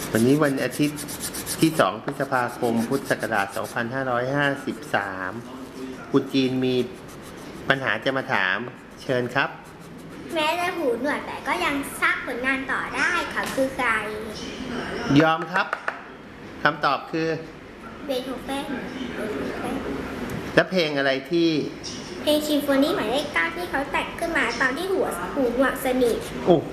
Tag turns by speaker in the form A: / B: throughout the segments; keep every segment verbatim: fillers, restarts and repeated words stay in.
A: วันนี้วันอาทิตย์ที่สองพฤษภาคมพุทธศักราชสองพันห้าร้อยห้าสิบสามคุณจีนมีปัญหาจะมาถามเชิญครับ
B: แม้จะหูหนวกแต่ก็ยังสร้างผลงานต่อได้เขาคือใคร
A: ยอมครับคำตอบคือ
B: เบโธเฟนเบโธเฟน
A: และเพลงอะไรที่
B: เพลงซิมโฟนีหมายเลขเก้าที่เขาแต่งขึ้นมาตอนที่หัวหูหนวกสนิท
A: โอ้โห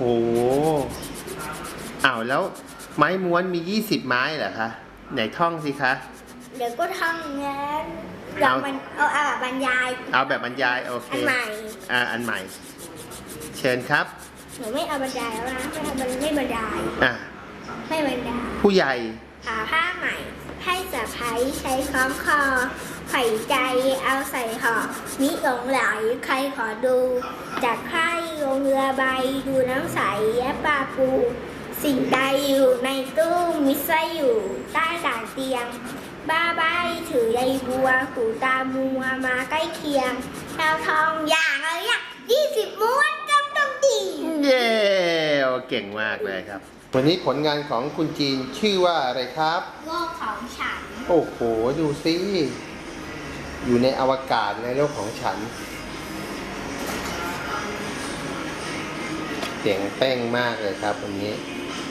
A: อ้าวแล้วไม้ม้วนมียี่สิบไม้เหรอคะไหนท่องสิคะ
B: เดี๋ยวก็ท่องงั้นลองมันเอาเอาแบบบรรยาย
A: เอาแบบบรรยายโอเค
B: อันใหม่
A: อ่าอันใหม่ เชิญครับ
B: หนูไม่เอาบรรยายแล้วนะไม่เอาบรรไม่บรรยาย
A: อ่ะ
B: ไม่บรรยาย
A: ผู้ใหญ่
B: หาผ้าใหม่ ให้สะพ้ายใช้คล้องคอไข่ใจเอาใส่ห่อมิหลงไหลใครขอดู จากใครลงเรือใบดูน้ำใสแยะปลาปู สิ่งใดอยู่ในตู้มิไซอยู่ใต้ต่างเตียง บ้าใบถือใยบัวหูตามัวมาใกล้เคียงดาวทองอย่างอะไรอ่ะยี่สิบม้วนจำต้องดี
A: เย้เก่งมากเลยครับ วันนี้ผลงานของคุณจีนชื่อว่าอะไรครับ
B: โลกของฉัน
A: โอ้โห ดูสิ อยู่ในอวกาศในโลกของฉันเจ๋งเป้งมากเลยครับวันนี้